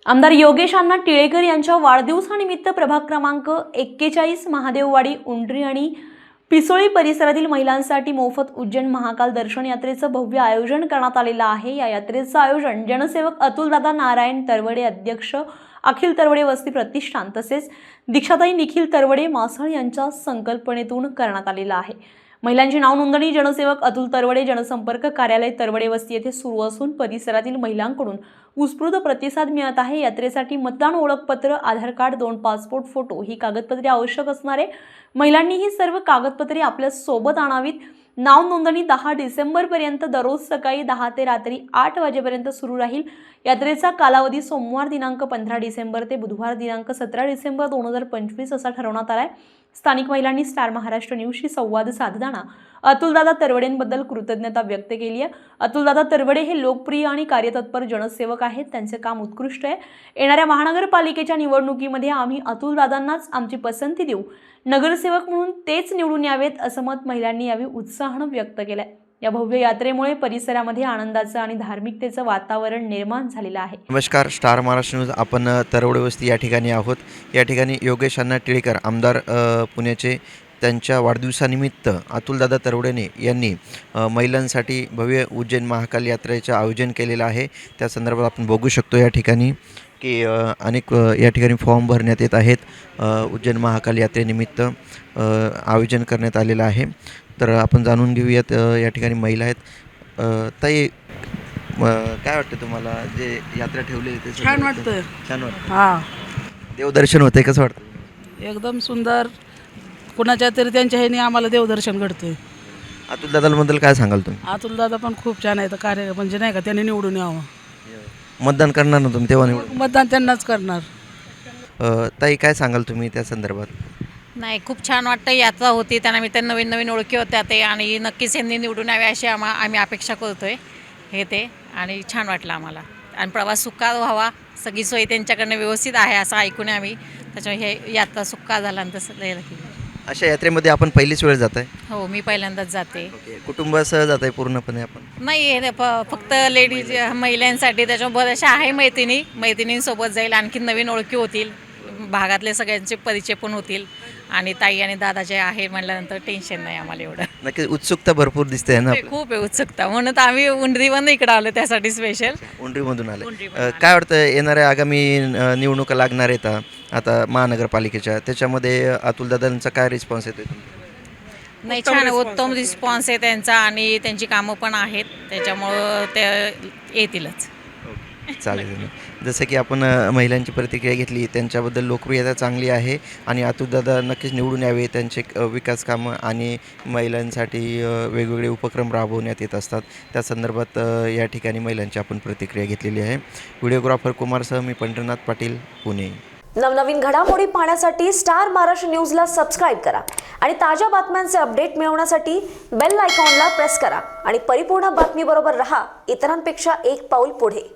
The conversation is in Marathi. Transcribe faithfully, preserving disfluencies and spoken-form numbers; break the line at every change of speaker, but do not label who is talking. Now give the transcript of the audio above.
आमदार योगेश अण्णा टिळेकर यांच्या वाढदिवसानिमित्त प्रभाग क्रमांक एक्केचाळीस महादेववाडी उंडरी आणि पिसोळी परिसरातील महिलांसाठी मोफत उज्जैन महाकाल दर्शन यात्रेचं भव्य आयोजन करण्यात आलेलं आहे। या यात्रेचं आयोजन जनसेवक अतुलदादा नारायण तरवडे अध्यक्ष अखिल तरवडे वस्ती प्रतिष्ठान तसेच दीक्षाताई निखिल तरवडे मासळ यांच्या संकल्पनेतून करण्यात आलेलं आहे। महिलांची नाव नोंदणी जनसेवक अतुल तरवडे जनसंपर्क कार्यालय तरवडे वस्ती येथे सुरू असून परिसरातील महिलांकडून उत्स्फूर्त प्रतिसाद मिळत आहे। यात्रेसाठी मतदान ओळखपत्र, आधार कार्ड, दोन पासपोर्ट फोटो ही कागदपत्रे आवश्यक असणार आहे। महिलांनी ही सर्व कागदपत्रे आपल्या सोबत आणावीत। नाव नोंदणी दहा डिसेंबर पर्यंत दररोज सकाळी दहा ते रात्री आठ वाजेपर्यंत सुरू राहील। यात्रेचा कालावधी सोमवार दिनांक पंधरा डिसेंबर ते बुधवार दिनांक सतरा डिसेंबर दोन हजार पंचवीस असा ठरवण्यात आलाय। स्थानिक महिलांनी स्टार महाराष्ट्र न्यूजशी संवाद साधताना अतुलदादा तरवडेंबद्दल कृतज्ञता व्यक्त केली आहे। अतुलदादा तरवडे हे लोकप्रिय आणि कार्यतत्पर जनसेवक आहेत। त्यांचे काम उत्कृष्ट आहे। येणाऱ्या महानगरपालिकेच्या निवडणुकीमध्ये आम्ही अतुलदादांनाच आमची पसंती देऊ। नगरसेवक म्हणून तेच निवडून यावेत असं मत महिलांनी यावेळी उत्साहानं व्यक्त केलंय। या भव्य यात्रेमुळे परिसरामध्ये आनंदाचं आणि धार्मिकतेचं वातावरण निर्माण झालेलं आहे।
नमस्कार, स्टार महाराष्ट्र न्यूज। आपण तरवडे वस्ती या ठिकाणी आहोत। या ठिकाणी योगेश अण्णा टिळेकर आमदार पुण्याचे त्यांच्या वाढदिवसानिमित्त अतुलदादा तरवडेने यांनी महिलांसाठी भव्य उज्जैन महाकाल यात्रेचे आयोजन केलेलं आहे। त्या संदर्भात आपण बघू शकतो या ठिकाणी की अनेक या ठिकाणी फॉर्म भरण्यात येत आहेत। उज्जैन महाकाल यात्रेनिमित्त आयोजन करण्यात आलेलं आहे। तर आपण जाणून घेऊयात या ठिकाणी महिला आहेत। ताई, काय वाटतं तुम्हाला जे यात्रा ठेवलेली ते?
छान वाटतं।
छान वाटतं।
हां,
देवदर्शन होते, कसं वाटतं?
एकदम सुंदर। कुणाच्या तरी त्यांच्या ह्याने आम्हाला देवदर्शन घडतंय।
अतुलदादाबद्दल काय सांगाल तुम्ही?
अतुलदादा पण खूप छान आहे, तर कार्य म्हणजे नाही का त्यांनी निवडून यावं।
मतदान करणार ना तुम्ही तेव्हा निवडून?
मतदान त्यांनाच करणार।
ताई, काय सांगाल तुम्ही त्या संदर्भात?
नाही, खूप छान वाटतं। यात्रा होती त्यांना मी त्या नवीन नवीन ओळखी होत्या ते आणि नक्कीच यांनी निवडून यावे अशी आम्हा आम्ही अपेक्षा करतोय हे ते आणि छान वाटलं आम्हाला। आणि प्रवास सुखकर व्हावा, सगळी सोय त्यांच्याकडनं व्यवस्थित आहे असं ऐकून आम्ही, त्याच्यामुळे हे यात्रा सुखकर झाला आणि तसं।
अशा यात्रेमध्ये आपण पहिलीच वेळ जात आहे?
हो, मी पहिल्यांदाच जाते।
कुटुंबासह जात आहे पूर्णपणे आपण?
नाही, हे फ फक्त लेडीज महिलांसाठी, त्याच्यामुळे बऱ्याचशा आहे मैत्रिणी मैत्रिणींसोबत जाईल, आणखी नवीन ओळखी होतील, भागातले सगळ्यांचे परिचय पण होतील आणि ताई आणि दादाचे आहे म्हटल्यानंतर टेन्शन नाही आम्हाला एवढं।
नक्की उत्सुकता भरपूर दिसते ना?
खूप आहे उत्सुकता, म्हणून तर आम्ही उंडरीवरून इकडे आलो त्यासाठी स्पेशल।
उंडरीमधून आले। काय वाटतं येणाऱ्या आगामी निवडणुका लागणार आहेत आता महानगरपालिकेच्या, त्याच्यामध्ये अतुलदादांचा काय रिस्पॉन्स येतो?
नाही, छान उत्तम रिस्पॉन्स आहे त्यांचा आणि त्यांची कामं पण आहेत, त्याच्यामुळं ते येतीलच।
चालेल। जसं की आपण महिलांची प्रतिक्रिया घेतली, त्यांच्याबद्दल लोकप्रियता चांगली आहे आणि अतुलदादा नक्कीच निवडून यावे। त्यांचे विकास कामं आणि महिलांसाठी वेगवेगळे उपक्रम राबवण्यात येत असतात। त्या संदर्भात या ठिकाणी महिलांची आपण प्रतिक्रिया घेतलेली आहे। व्हिडिओग्राफर कुमारसह मी पंढरनाथ पाटील, पुणे।
नवनवीन घडामोडी पाहण्यासाठी स्टार महाराष्ट्र न्यूजला सबस्क्राईब करा आणि ताज्या बातम्यांचे अपडेट मिळवण्यासाठी बेल आयकॉनला प्रेस करा आणि परिपूर्ण बातमीबरोबर रहा, इतरांपेक्षा एक पाऊल पुढे।